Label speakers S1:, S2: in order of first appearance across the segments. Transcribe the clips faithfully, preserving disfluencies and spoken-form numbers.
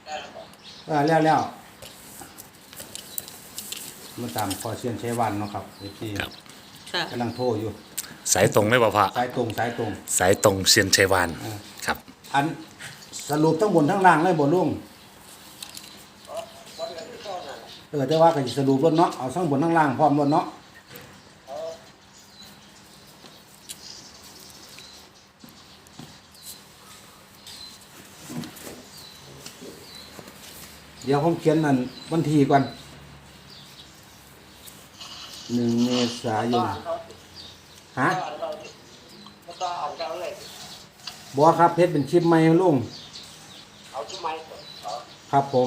S1: เออแล้วแล้วมาตามพอเชียนใช้วันเนาะครับที่
S2: ครับ
S3: ค่ะ
S1: กำลังโทรอยู่
S2: สายตรงเลยบ่พ่อ
S1: สายตรงสายตรง
S2: สายตรงเซียนชัยวาน
S1: อ่า
S2: ครับ
S1: อันสรุปทั้งบนทั้งล่างเลยบ่ลุงเออแต่ว่าก็สิสรุปรถเนาะเอาทั้งบนทั้งล่างพร้อมรถเนาะเดี๋ยวผมเขียนนั่นวันที่ก่อนหนึ่งเมษายนฮะบัวครับเพชรเป็นชิปไหมลุง
S4: เอาชุดไม้ก่อนเอา
S1: ครับผม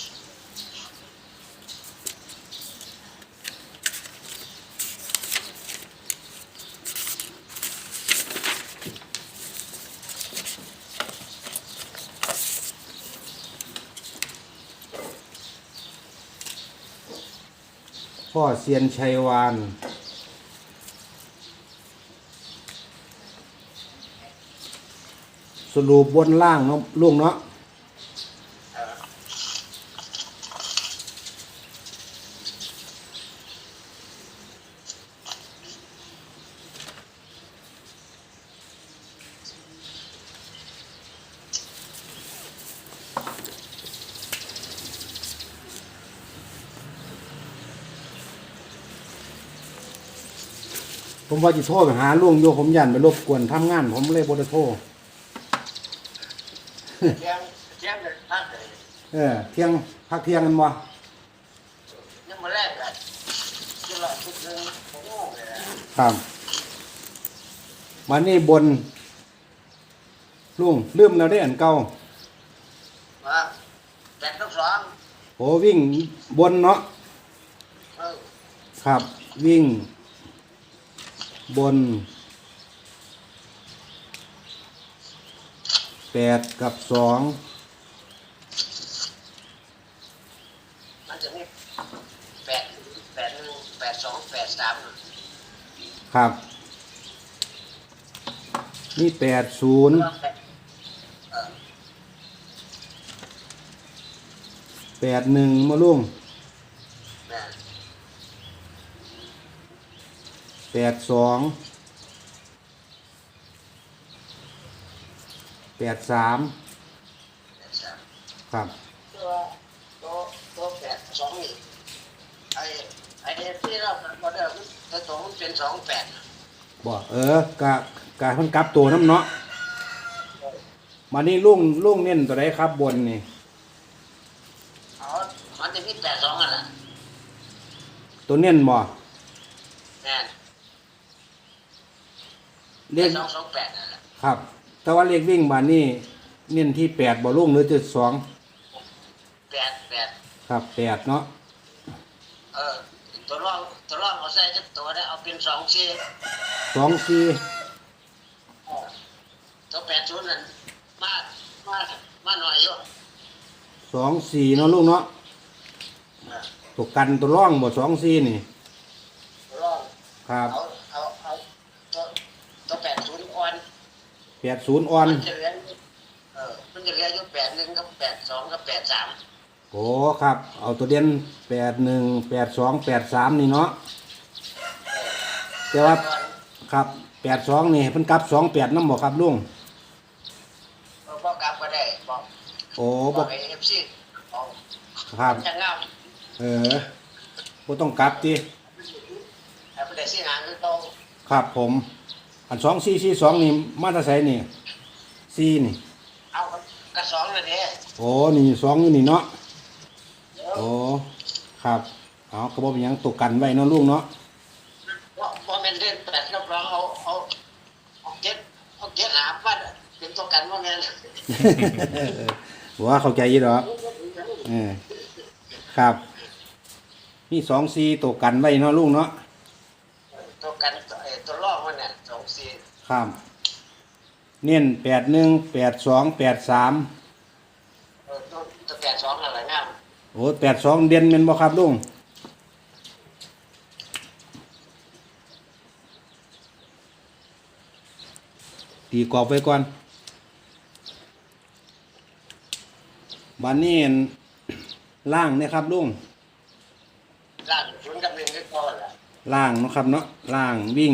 S1: พ่อเซียนชัยวานสรุปบนล่างเนาะลุงเนาะ
S4: เออ
S1: ผมว่าจะโทรไปหาลุงโยผมยันไปรบกวนทำงาน ผมเลยบ่ได้โทร
S4: เที่ยงเที่ยงเลยพักเลย
S1: เออเที่ยงพักเที่ยงกันบ่
S4: ยังมาแรกกันที่ละชุดหนึ่งผมงงเลยนะครับ
S1: มานี่บนลุงลืมแล้วได้อันเก่า
S4: ว่าแปดทับสอง
S1: โหวิ่งบนเนาะ
S4: เออ
S1: ครับ วิ่ง บนแปดกับสอง
S4: มันจะมีแปดแปดหนึ่งแปดสองแปดสาม
S1: ครับ นี่แปดศูนย์
S4: เออ
S1: แปดหนึ่งมาลุง
S4: แม่
S1: แปดสองแปดสาม
S4: แปดสาม
S1: ครับ
S4: ตัวตัวตัวแปดสองนี่ไอ้ไอ้ที่เราพอได้ตัวสองเป็นสองแปด
S1: บ่เออกะกะเพิ่นกลับตัวน้ำเนาะมานี่ลุงลุงเน้นตัวใดครับบนนี่
S4: อ๋อมันจะมีแปดสองอ่ะล่ะ
S1: ตัวเน้นบ่
S4: แม่น
S1: เล
S4: แป
S1: ข
S4: ดสองสองแปดนั่นแหละ
S1: ครับ แต่ว่าเลขวิ่งบานนี่เน้นที่แปดบ่ลุงหรือจุดสอง
S4: แปดแปด
S1: ครับแปดเนาะ
S4: เออตัวรองตัวรองเอาใส่จักตัวได้เอาเป็นสองสี่
S1: สองสี่
S4: ตัวแปดศูนย์นั่นมามามาหน่อยอยู่
S1: สองสี่เนาะลุงเนาะตัวกันตัวร่องบ่สองสี่นี่
S4: ตัวรอง
S1: ครับ
S4: เอาเอาเอาตัวตัวแปดศูนย์อ่อน
S1: แปดศูนย์อ่อน
S4: มันจะเหลือเออมันจะเหลืออยู่แปดหนึ่งกับแปดสองกับแปดสาม
S1: โอ้ครับ เอาตัวเด่นแปดหนึ่งแปดสองแปดสามนี่เนาะแต่ว่าครับแปดสองนี่เพิ่นกลับสองแปดน้ำบ่ครับลุง
S4: เราบอกกลับก็ได้บอก
S1: โอ้
S4: บ
S1: บ่
S4: อกไอ้เอฟซีบอก
S1: ครับ
S4: จะงาม
S1: เออบ่ต้องกลับติ
S4: ไอ้ประเดี๋ยวสี่หางคือโต
S1: ครับผม อันสองสี่สี่สองนี่มาแตราไสนี่สี่นี่
S4: เอากระสองเลยเด้
S1: โอ้นี่สองอยู่นี่เนาะโอ้ครับเอากระบอกเป็นหยังตกกันไว้เนาะลุงเนาะ
S4: ว่าว่าแม่นเล่นแปดรับรองเอาเอาเอาเจ็ดเอาเจ็ดหาบ้านเป็นตัวกันว่าแม่น
S1: ว่าเข้าใจอยี่ดอกเออครับมีสองสี่ตกกันไว้เนาะลุงเนาะ
S4: ตัวกันตัวเอ่อตัวลอกมันเนี่ยสองสี่
S1: ครับเน้นแปดหนึ่งแปดสองแปดสาม
S4: เออตัวตัวแปดสองอะไรงาม
S1: โอ้แปดสองเด่นเป็นบ่ครับลุงตีกรอบไว้ก่อนบานนี้ล่างเนี่ยครับลุง
S4: ล่างศูนย์กับหนึ่งก็พอละ
S1: ล่างเนาะครับเนาะล่างวิ่ง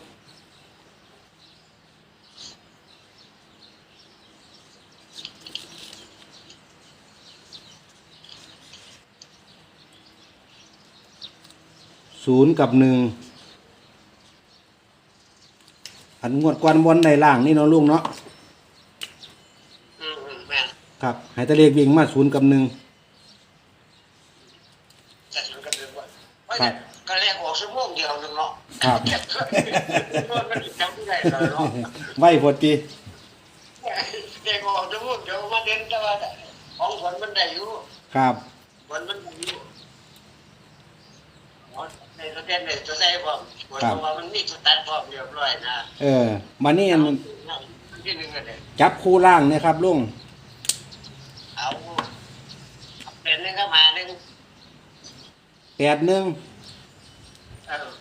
S1: ศูนย์กับหนึ่งอันงวดกวนบนในล่างนี่เนาะลุงเนาะ
S4: อืมอืมแม่น
S1: ครับให้ตะเลขวิ่งมาศูนย์กับหนึ่ง
S4: จะศูนย์กับหนึ่งว่าไม่
S1: ครั
S4: ได้
S1: บ
S4: ก็แรกออกชั่วโมงเดียวนึงเนาะ
S1: ครับ
S4: เก็บเงินมันจำไม่ได้เลยเนาะ
S1: ไว้พอดี
S4: เด็กออกชั่วโมงเดียวมาเดินแต่ว่าของฝนมันได้อยู่
S1: ครับ
S4: ฝนมันได้อยู่อ๋อในตัวเต้นในตัวใส่พร้อมฝนเพราะว่ามันมีตัวตัดพร้อมเรียบร้อยนะ
S1: เออมานี่อัน
S4: ที่หนึ่งก็ได้
S1: จับคู่ล่างเนี่ยครับลุง
S4: เอาเอาเป็นหนึงก็มาหนึ่ง
S1: แปดหนึ่ง
S4: เออ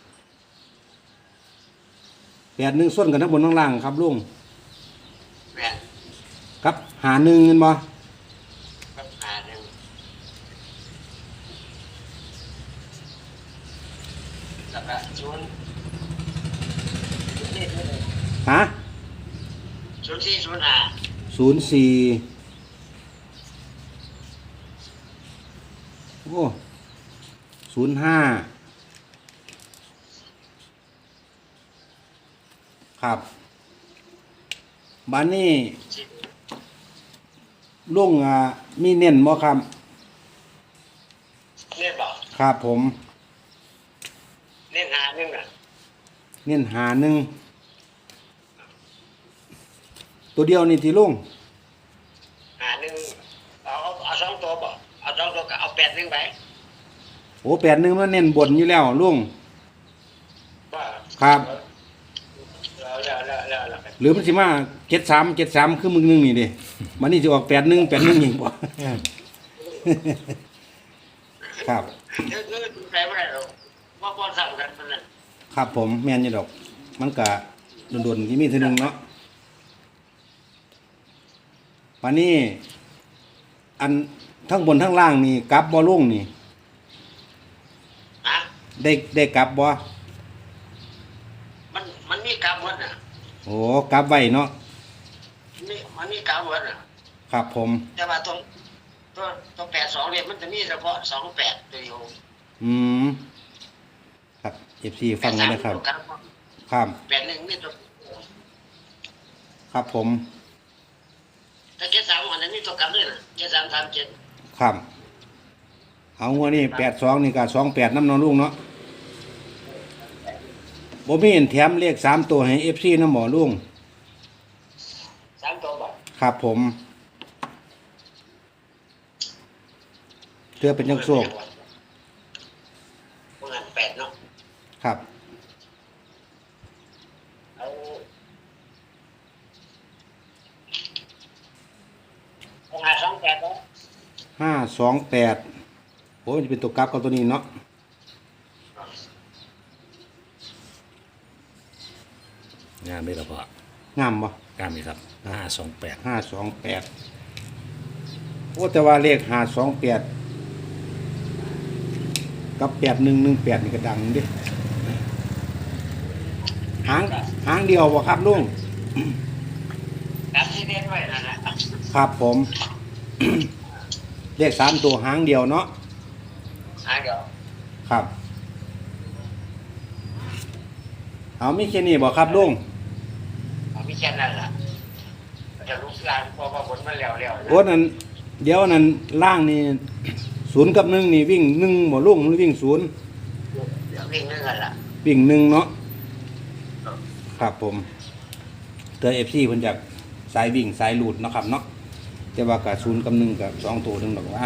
S1: แปดหนึ่งส่วนกันทั้งบนทั้งล่างครับลุง
S4: แม่น
S1: กับหาหนึ่งเงินบ่
S4: ก็มาหนึ่งแล้วก็ศูนย์ศูนย์สี่ศูนย์
S1: ฮะ
S4: ศูนย์สี่ศูนย์ห้า
S1: ศูนย์สี่โอ้ศูนย์ห้าครับบ้านนี้
S4: สิบ
S1: ลุงอ่ะมีเน้นบ่ครับ
S4: เล่นบอก
S1: ครับผม
S4: เล่นหาหนึ่งอ่ะ
S1: เน้นหาหนึ่งตัวเดียวนี่ที่ลุง
S4: หาหนึ่งเอาเอาเอาสองตัวบอกเอาสองตัวก็เอาแปดหนึ่งไป
S1: โอ้แปดหนึ่งมันเน้นบนอยู่แล้วลุง
S4: ว่า
S1: ครับ
S4: แล้วแล้วแล้วแล้วแล้ว
S1: หรือมันสิมาเจ็ดสามเจ็ดสามคือมึงหนึงนี่ดิมันนี่จะออกแปดหนึ่งแปดหนึ่งอีกบ่ ครับ
S4: เดี๋ยวนี้ใครไม่ได้หรอกว่าบอลสั่งกันมันนั่น
S1: ครับผมแม่นอยู่ดอก มันกะโดนๆที่มีเทีนึงเนาะวันนี้ อันทั้งบนทั้งล่างนี่กลับบ่ลุงนี่
S4: ฮะ
S1: ได้ได้กลับบ่
S4: มันมันมีกราฟวัดน่ะ
S1: โอ้กลับไว้เนาะ
S4: มีมันมีกราฟวัดน่ะ
S1: ครับผม
S4: แต่ว่าตรงตัวตัวแปดสองเนี่ยมันจะมีเฉพาะสองแปดตัวเดียว
S1: อืมครับ เอฟ ซี ฟังไว้นะครับ
S4: ตัวกราฟ
S1: ครับ
S4: แปดหนึ่งมีตัว
S1: ครับผม
S4: ถ้าเจ็ดสามมันจะมีตัวกราฟด้วยนะเจ็ดสามสามเจ็ด
S1: ครับ เอางัวนี่แปดสองนี่กับสองแปดน้ำนอนลุงเนาะบ่มีเห็นแถมเลขสามตัวให้เอฟซีน้ำหมอลุง
S4: สามตัวบอก
S1: ครับผมเพื่อเป็นยังโชค
S4: พวกนั้นแปดเนาะ
S1: ครับ
S4: เอาเอาหาสองแปดเนาะ
S1: ห้าสองแปดโอ้ยจะเป็นตัวกราฟกับตัวนี้เนาะ
S2: งานได้แล้วพ่อง
S1: ามบ่
S2: งานนี้ครับห้าสองแปด
S1: ห้าสองแปดโอ้แต่ว่าเลขห้าสองแปดกับแปดหนึ่งหนึ่งแปดนี่ก็ดังเดิหางหางเดียวบ่ครับลุง
S4: กราฟที่เน้นไว้นั่นแหละ
S1: ครับผม เลขสามตัวหางเดียวเนาะ
S4: หาเดี๋ยว
S1: ครับ เอามีแค่นี้บ่ครับลุง
S4: เอามีแค่นั้นแหละจะลุกลานพอพอผลมันแล้วแล้วนะ
S1: โอ้นั่นเดี๋ยวนั้นล่างนี่ศูนย์กับหนึ่งนี่วิ่งหนึ่งบ่ลุงหรือวิ่งศูนย์
S4: เดี๋ยววิ่งนึงกันละ
S1: วิ่งหนึ่งเนาะครับผมเตอเอฟซีเพิ่นจากสายวิ่งสายหลุดเนาะครับเนาะแต่ว่ากับศูนย์กับหนึ่งกับสองตัวหนึ่งดอกว่า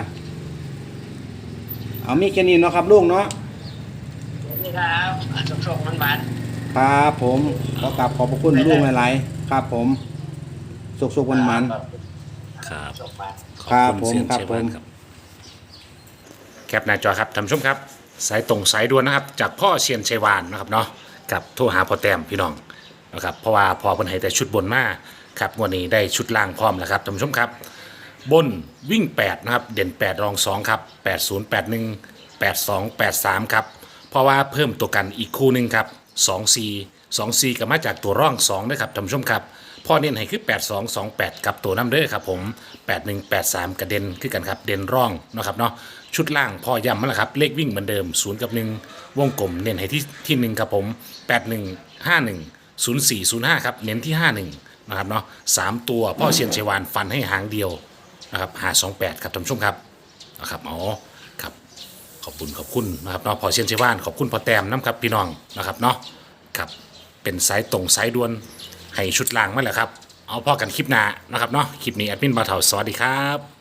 S1: เอามีแค่นี้เนาะครับลุงเนาะ
S4: นี่ครับสุกสุกมันบาน
S1: ครับผมขอกราบขอบพระคุณลุงหลายๆครับผมสุกๆวันมัน
S2: ครับ
S4: สุกบาน
S2: ขอบ
S1: ครับ
S2: คุณเซียน
S1: ผมครับ
S2: ชัยวาน
S1: ผม
S2: ครับแคปหน้าจอครับท่านผู้ชมครับ สายตรงสายด่วนนะครับ จากพ่อเซียนชัยวานนะครับเนาะกับโทรหาพ่อแต้มพี่น้องนะครับเพราะว่าพอเพิ่นให้แต่ชุดบนมาครับงวันนี้ได้ชุดล่างพร้อมแล้วครับท่านผู้ชมครับบนวิ่งแปดนะครับเด่นแปดรองสองครับแปดศูนย์แปดหนึ่งแปดสองแปดสามครับเพราะว่าเพิ่มตัวกันอีกคู่หนึ่งครับสองซีสองซีก็มาจากตัวร่องสองด้วยครับท่านผู้ชมครับพ่อเน้นให้คือแปดสองสองแปดกับตัวน้ำเด้อครับผมแปดหนึ่งแปดสามกระเด็นคือกันครับเด่นร่องนะครับเนาะชุดล่างพ่อย้ำมาแล้วครับเลขวิ่งเหมือนเดิมศูนย์กับหนึ่งวงกลมเน้นให้ที่ที่หนึ่งครับผมแปดหนึ่งห้าหนึ่งศูนย์สี่ศูนย์ห้าครับเน้นที่ห้าหนึ่งนะครับเนาะสามตัวพ่อเชียนชัยวานฟันให้หางเดียวนะครับหาสองแปดครับท่านผู้ชมครับนะครับอ๋อครับขอบคุณขอบคุณนะครับเนาะพ่อเชียนชัยวานขอบคุณพ่อแต้มน้ำครับพี่น้องนะครับเนาะครับเป็นสายตรงสายด่วนให้ชุดล่างมาแหละครับเอาพ่อกันคลิปหน้านะครับเนาะคลิปนี้แอดมินบ่าวเฒ่าสวัสดีครับ